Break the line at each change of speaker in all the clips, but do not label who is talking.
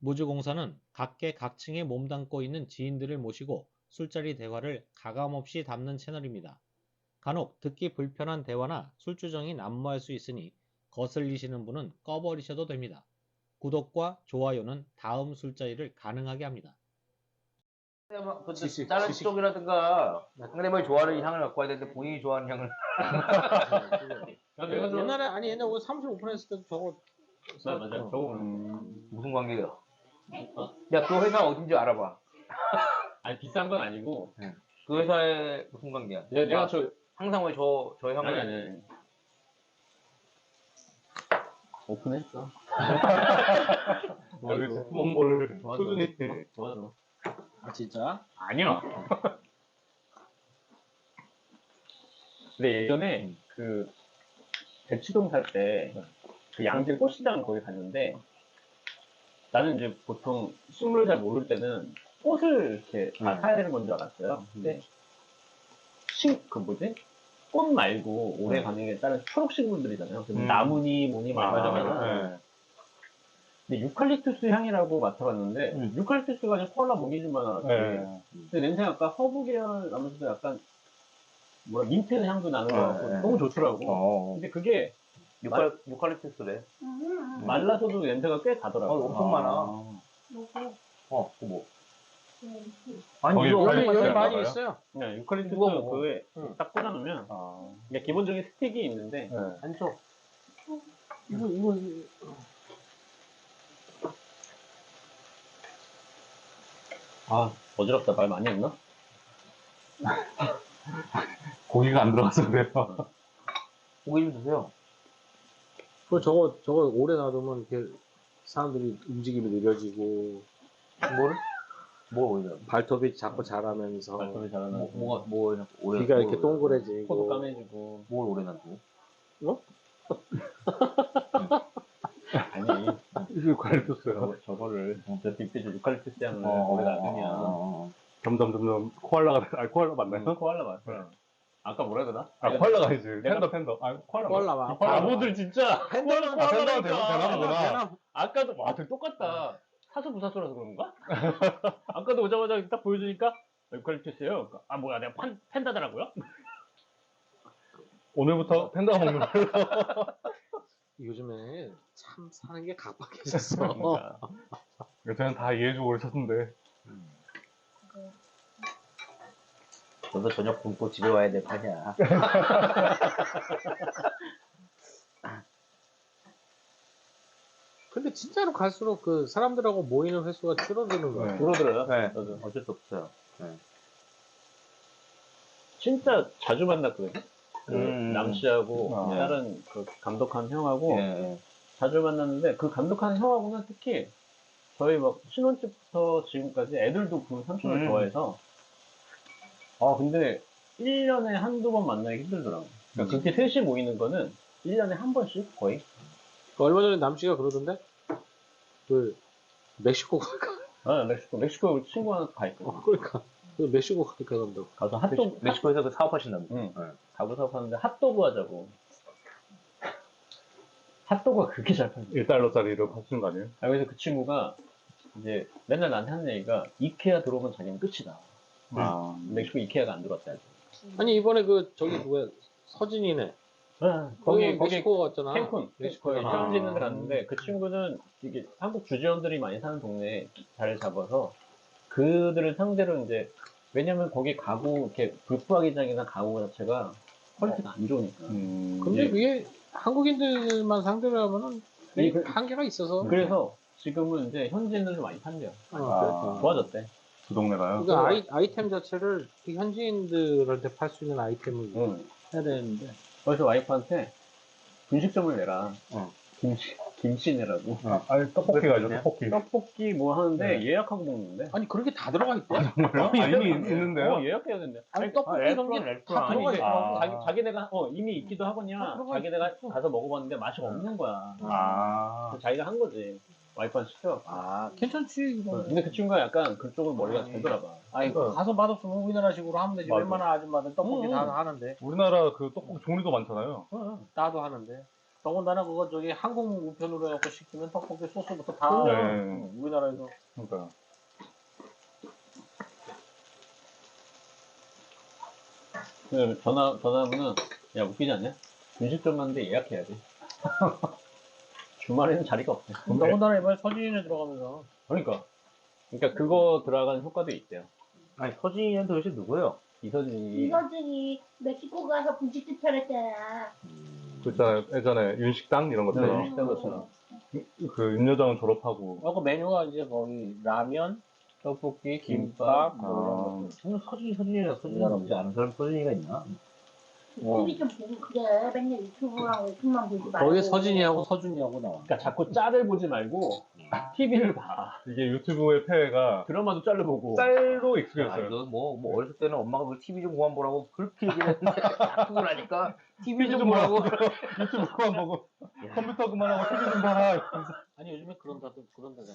무주공사는 각계각층에 몸담고 있는 지인들을 모시고 술자리 대화를 가감없이 담는 채널입니다. 간혹 듣기 불편한 대화나 술주정이 난무할 수 있으니 거슬리시는 분은 꺼버리셔도 됩니다. 구독과 좋아요는 다음 술자리를 가능하게 합니다.
다른 쪽이라든가 상대방이 좋아하는 향을 갖고 와야 되는데 본인이 좋아하는 향을
옛날에 우리 사무실 오픈했을 때도 저거
맞아. 저거
무슨 관계야? 야, 그 회사 어딘지 알아봐.
아니 비싼 건 아니고.
그 회사에 무슨 관계야?
내가 저
항상 왜 저 향을
아니. 오픈했어.
홍보를
좋아.
아 진짜?
아니야. 근데 예전에 그 대치동 살 때 그 양재 꽃시장 거기 갔는데 나는 이제 보통 식물 잘 모를 때는 꽃을 이렇게 다 사야 되는 건 줄 알았어요. 근데 그 뭐지? 꽃 말고 오래 가는 게 다른 초록 식물들이잖아요. 나무니 뭐니 말하잖아요. 근데 유칼립투스 향이라고 맡아봤는데 유칼립투스가 아니라 코알라 모기지만 알았지. 근데 냄새가 아까 허브 계열 나면서도 약간 뭐라 민트 향도 나는 거 같고 너무 좋더라고. 근데 그게
유칼립투스래.
말라서도 냄새가 꽤 가더라고.
엄청 많아. 뭐. 아니
거기
이거
유칼립투스
여기
알아요?
많이 있어요.
그냥 유칼립투스
누가 먹어?
그거에 딱 꽂아놓으면 그러니까 기본적인 스틱이 있는데
안 줘.
이거
어지럽다. 말 많이 했나?
고기가 안 들어가서 그래요.
고기 좀 드세요.
저거 오래 놔두면 이렇게 사람들이 움직임이 느려지고
뭐 오히려
발톱이 자꾸 자라면서
발톱이 자라나고
뭐가 오래
귀가 이렇게
코도
동그래지고
까매지고.
뭘 오래 놔두고?
아니
유칼립투스요.
저거를 저 빅피즈 유칼립투스 향을 오래 놔두면
점점 코알라 맞나요?
코알라 맞아. 아까 뭐라 그러나?
코알라가 아니지. 팬더. 코알라.
코알라
바보들 진짜.
팬더는
팬더가 되나 보구나.
아까도 와, 되게 똑같다. 사수 부사수라서 그런가? 아까도 오자마자 딱 보여주니까 유칼립투스예요. 그러니까, 뭐야 내가 팬다더라고요.
오늘부터 팬더가 먹는 걸로.
요즘에 참 사는 게 각박해졌어.
그러니까.
요새는 다 이해해주고 그러셨는데.
너도 저녁 굶고 집에 와야 될 판이야.
근데 진짜로 갈수록 그 사람들하고 모이는 횟수가 줄어드는 거야.
줄어들어요.
네.
저도.
어쩔 수 없어요.
진짜 자주 만났거든요. 그 남씨하고
아.
다른 그 감독한 형하고
예.
자주 만났는데 그 감독한 형하고는 특히 저희 막 신혼집부터 지금까지 애들도 그 삼촌을 좋아해서 근데 1년에 한두 번 만나기 힘들더라고. 그러니까 그렇게 셋이 모이는 거는 1년에 한 번씩 거의.
얼마 전에 남씨가 그러던데 그 멕시코 갈까?
멕시코 친구 하나 가 있거든.
그러니까 그 멕시코 갈까 그런다고.
가서 핫도그,
멕시코에서 그 사업하신다고.
응. 가구 사업하는데 핫도그 하자고. 핫도그가 그렇게 잘 팔려.
1달러짜리로 파시는 거 아니에요?
그래서 그 친구가 이제 맨날 나한테 하는 얘기가 이케아 들어오면 자기는 끝이다. 멕시코 이케아가 안 들어왔다.
아니 이번에 그 저기 누구야 서진이네.
거기
멕시코 갔잖아.
캔쿤 멕시코에 휴양지 있는 데 갔는데 그 친구는 이게 한국 주재원들이 많이 사는 동네에 자리를 잡아서 그들을 상대로 이제 왜냐면 거기 가구 이렇게 불프화기장이나 가구 자체가 퀄리티가 안 좋으니까.
근데 그게 한국인들만 상대로 하면은 한계가 있어서.
그래서 지금은 이제 현지인들도 많이 판대요. 좋아졌대.
그 동네가요?
그러니까 아이템 자체를 그 현지인들한테 팔 수 있는 아이템을 해야 되는데.
그래서 와이프한테 분식점을 내라. 김치 내라고.
아니, 떡볶이가 아니죠, 떡볶이.
떡볶이 뭐 하는데 예약하고 먹는데.
아니 그렇게 다 들어가 있대?
이미 있는데요?
예약해야 된대.
아니 떡볶이 이런 게 다 들어가 있어.
자기네가 이미 있기도 하거냐. 자기네가 가서 먹어봤는데 맛이 없는 거야. 그래서 자기가 한 거지. 와이프한테 시켜갖고.
괜찮지 이거.
근데 그 친구가 약간 그쪽으로 머리가 잘 돌아가.
아니 가서 맛없으면 우리나라식으로 하면 되지.
맞아.
웬만한 아줌마들 떡볶이 다 하는데.
우리나라 그 떡볶이 종류도 많잖아요.
나도 하는데. 더군다나 그거 저기 항공 우편으로 해갖고 시키면 떡볶이 소스부터 다
네.
우리나라에서
그러니까.
전화하면은, 야, 웃기지 않냐? 분식점 갔는데 예약해야 돼. 주말에는 자리가 없대.
더군다나 이번에 서진이네 들어가면서
그러니까 그거 들어가는 효과도 있대요.
아니, 서진이는 도대체 누구예요?
이서진이.
이서준이 멕시코 가서 분식집 차렸잖아.
그렇잖아요. 예전에 윤식당 이런 것처럼.
비슷한 것처럼.
그 윤여정 졸업하고.
그 메뉴가 이제 거의 라면, 떡볶이, 김밥 뭐 이런
아.
것들.
저는 서진이라 서진이 아는 사람 서진이가 있나?
TV 좀 보고 그래. 맨날 유튜브만 보지 말고.
거기에 서진이하고 서준이하고 나와.
그러니까 자꾸 짤을 보지 말고 TV를 봐.
이게 유튜브의 폐해가
드라마도 짤로 보고.
짤로
아,
익숙해졌어요.
이거 뭐 어렸을 때는 엄마가 그 TV 좀 그만 보라고 그렇게 얘기했는데 크고 나니까 TV 좀 보라고.
유튜브 그만 보고
야.
컴퓨터 그만하고 TV 좀 봐라.
아니 요즘에 그런다잖아.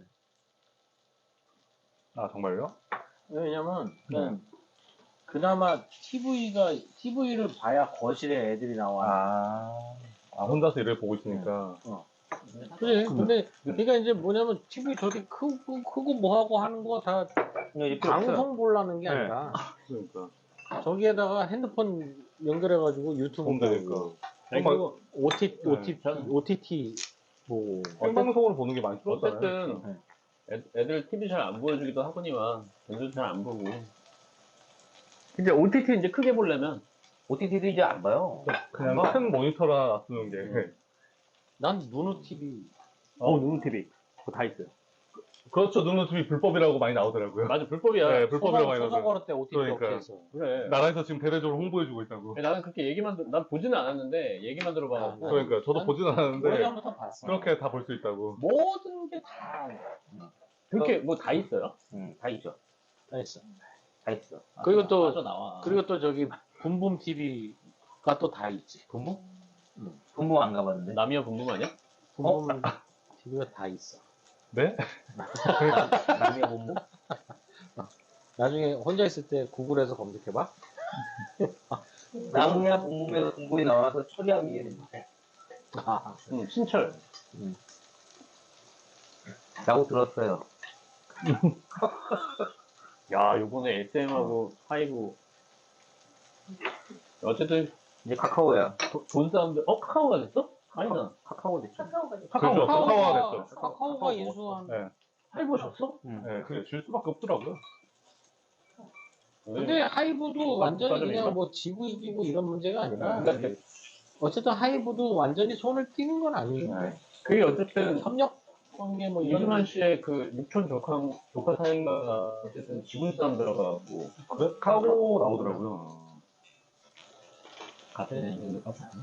아 정말요?
왜냐면 그나마 TV를 봐야 거실에 애들이 나와.
아 혼자서 일을 보고 있으니까.
그래. 근데 그러니까 이제 뭐냐면 TV 저렇게 크고 뭐하고 하는 거 다 방송 보려는 게
네.
아니라
그러니까.
저기에다가 핸드폰 연결해가지고 유튜브
보면 되니까.
보고
그리고
OTT 보고.
생방송으로 보는 게 많이 줄었잖아요.
어쨌든 애들 TV 잘 안 보여주기도 하거니와 애들 잘 안 보고. 근데 OTT 이제 크게 보려면
OTT도 이제 안 봐요.
그냥 큰 모니터라 놔두는 게.
난 누누 TV.
누누 TV 그거 다 있어요.
그렇죠. 누누 TV 불법이라고 많이 나오더라고요.
맞아 불법이야.
네, 불법이라고 많이
소송
나오더라고요.
걸을 때 OTT
그러니까.
업체에서.
그래.
나라에서 지금 대대적으로 홍보해주고 있다고.
나는 그렇게 난 보지는 않았는데 얘기만 들어봐갖고.
그러니까 저도 보진 않았는데
오래전부터 봤어.
그렇게 다 볼 수 있다고.
모든 게 다
그렇게 뭐 다 있어요?
다 있죠.
있어.
다 있어.
그리고 또
맞아 나와.
그리고 또 저기 붐붐 TV가 또 다 있지.
분부? 분부 안 가봤는데.
남이야 궁금 아니야?
붐붐 TV가 다 있어.
네?
남의 분부?
나중에 혼자 있을 때 구글에서 검색해봐.
남이야 분부에서 분부에 나와서 처리하기 위해
신철.
라고 들었어요.
야 요번에 SM하고 하이브. 어쨌든
이제 카카오야.
돈 사람들 카카오가 됐어? 아니다.
카카오 됐죠.
카카오가 됐어.
그렇죠. 카카오가 됐죠.
카카오가 인수한.
네.
하이브 줬어?
네, 그게 줄 수밖에 없더라고요.
근데 하이브도 완전히
국가적인가?
그냥 뭐 지구 이기고 이런 문제가 아니라
그러니까
어쨌든 하이브도 완전히 손을 띄는 건 아니에요.
네.
그게 어쨌든
협력 관계 뭐 이런
이준환 씨의 그 육촌 조카 사인가가 어쨌든 지분 싸움 들어가고
그래? 카고 나오더라고요.
같은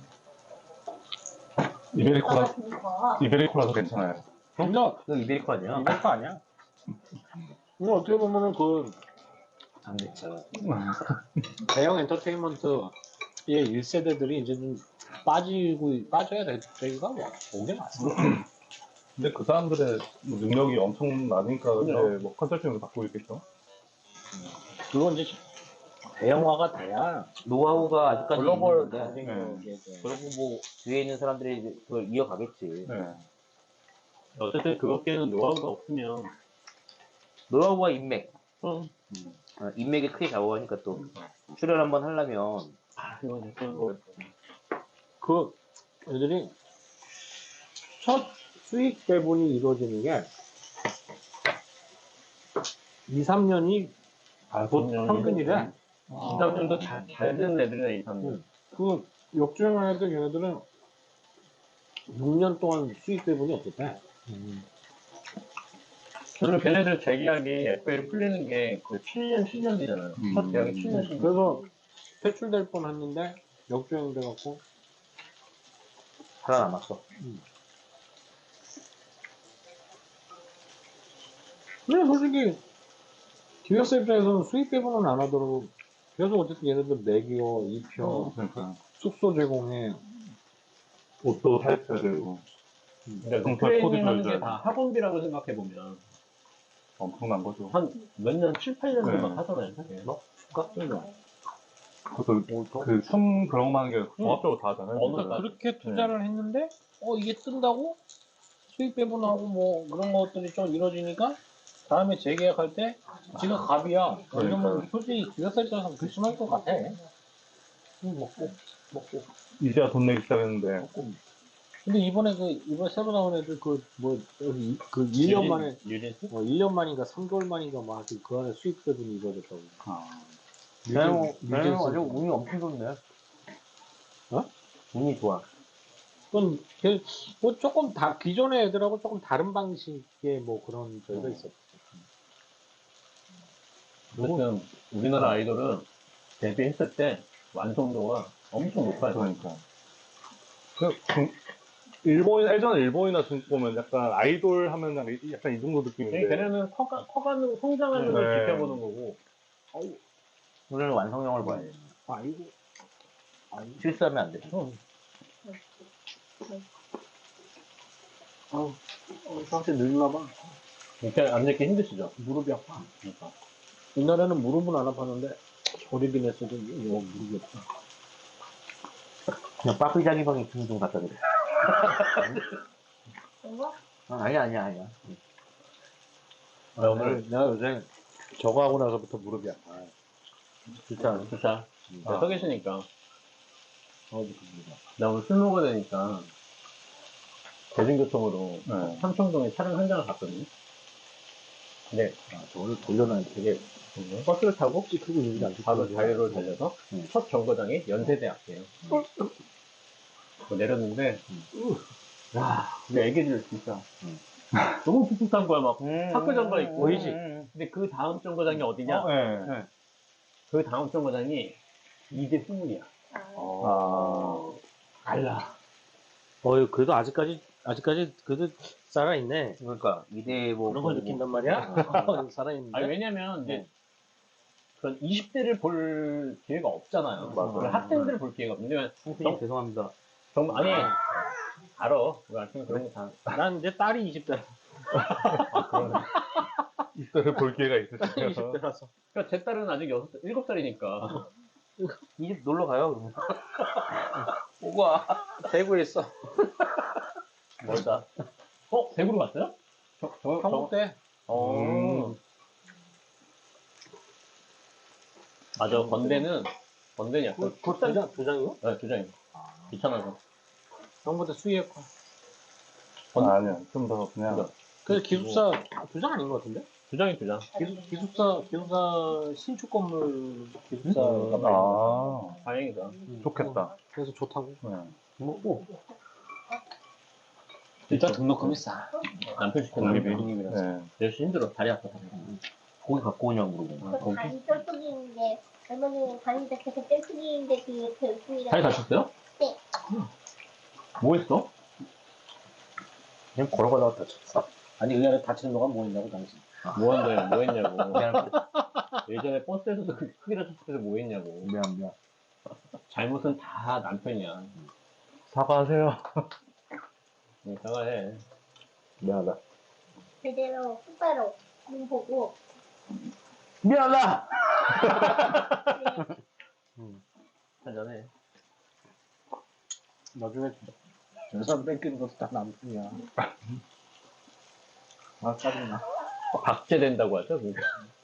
이베리코라,
그러니까
이베리코라서 괜찮아요.
협력
이거 이베리코 아니야?
이런 거 아니야? 이거 어떻게 보면은 그
안 됐죠.
대형 엔터테인먼트의 1세대들이 이제 좀 빠져야 될 때가 뭐 오게 맞습니다.
근데 그 사람들의 뭐 능력이 엄청나니까 이제 뭐 컨설팅을 받고 있겠죠.
그건 이제 대형화가 돼야
노하우가 아직까지
글로벌
있는데
경쟁력에
그리고 뭐 뒤에 있는 사람들이 이제 그걸 이어가겠지.
네.
어쨌든 그것께는 노하우가 없으면
노하우와 인맥.
응.
인맥이 크게 작용하니까 또 출연 한번 하려면
이건 뭐
그 애들이 첫 수익 배분이 이루어지는 게 2, 3년이 평균이래.
이상년도 잘 되는 애들이네 이상년.
그 역주행한 애들 걔네들은 6년 동안 수익 배분이 없었대.
저는 걔네들 재계약이 FA를 풀리는 게 그 7년, 10년 되잖아요. 첫 계약이 7년, 10년.
그래서 퇴출될 뻔 했는데 역주행 돼갖고
살아남았어.
근데 솔직히 기획사 입장에서는 수익 배분은 안 하더라도 계속 어쨌든 얘네들 먹여, 입혀,
그러니까
숙소 제공해.
옷도 사입해야 되고
근데
다
트레이닝
코디도
하는 게
해줘야
다 학원비라고 생각해보면
엄청난 거죠.
한 몇 년, 7, 8년
네.
동안 하잖아요. 사실.
뭐? 줄까?
그러니까.
그숨 그런 거 하는 게 종합적으로 다 하잖아요.
어느
그거는.
그렇게 투자를 했는데 이게 뜬다고 수익 배분하고 뭐 그런 것들이 좀 이루어지니까 다음에 재계약할 때 지가 갑이야. 이러면 솔직히 기획사에 따라서 불심할 것 같아. 먹고.
이제야 돈 내기 시작했는데
근데 이번에 새로 나온 애들 그 1년 만에
유진스?
1년 만인가 3개월 만인가 막 그 안에 수익 배분이 이루어졌다고.
걔는
뉴진스.
아주 운이 엄청 좋네.
어?
운이 좋아.
그건 뭐 조금 기존의 애들하고 조금 다른 방식의 뭐 그런 저희가 있었죠.
어쨌든 우리나라 아이돌은 데뷔했을 때 완성도가 엄청 높아요.
그러니까 예전에 일본이나 중국 보면 약간 아이돌 하면 약간 이 정도 느낌인데
걔네는 커가는 성장하는 걸
네.
지켜보는 거고.
우리는 완성형을 봐야 돼.
아이고.
실수하면 안 돼.
상태 늙나 봐.
이렇게 앉기 힘드시죠?
무릎이 아파. 그러니까. 옛날에는 무릎은 안 아팠는데 조립이 냈어도 무릎이 아파.
그냥 빠삐자기 방에 좀 갖다 드려.
이거?
아니야.
오늘 내가 요새 저거 하고 나서부터 무릎이 아파.
주차.
아.
서 계시니까. 나 오늘 술 먹어야 되니까 대중교통으로
네.
삼청동에 차량 한 장을 갔거든요. 근데
저걸 돌려놔야 되게
버스를 타고
크고 있는 게안
바로 자유로를 달려서 첫 정거장이 연세대 앞이에요. 내렸는데 와 근데 애기들 진짜 너무 풋풋한 거야. 막 학교 장가 있고
보이지?
근데 그 다음 정거장이 어디냐?
네.
그 다음 정거장이 이제 스물이야. 달라.
그래도 아직까지 그래도 살아있네.
그러니까 이대 뭐
그런 걸 느낀단 말이야? 살아있는데.
아니 왜냐면 이제 그런 20대를 볼 기회가 없잖아요.
맞아요.
학생들을 볼 기회가 없는데 왜냐면
선생님 죄송합니다.
아니 알아. 우리 아침에 그런 거 다.
난 이제 딸이 20대.
이때를 볼 기회가 있으시죠.
20대라서.
그러니까 제 딸은 아직 7살이니까.
이 집 놀러 가요 그러면. 오고 와.
대구에 있어.
멀다. 대구로 갔어요?
한국 때.
맞아. 건대는 약간
두 장이요?
네, 2장이요. 귀찮아서.
형보다 수위에
아니야 좀 더 그냥
그 기숙사 2장 아닌 것 같은데?
2장이.
기숙사 신축 건물 기숙사.
다행이다.
좋겠다.
그래서 좋다고.
네.
일단 등록금이 싸.
남편 시키는 게
네.
내시 힘들어. 다리 아파.
고기 갖고 오냐고 물어보고.
그 다리 쫄뚝이인데 얼마 전에 다니다 계속 쫄뚝이인데 그 옆에 웃음이가
다리 다쳤어요?
네.
뭐 했어?
그냥 걸어가다가 다쳤어.
아니 의안에 다치는 동안 뭐 했냐고 당신.
뭐 한 거야? 뭐 했냐고.
미안.
예전에 버스에서도 그렇게 크게 다쳤을 때 뭐 했냐고.
미안.
잘못은 다 남편이야.
사과하세요.
사과해.
미안하다.
제대로 똑바로 눈 보고
미안하다.
한잔해.
나중에 전산 뺏기는 것도 다 남편이야. 짜증나.
박제된다고 하죠? 그러니까.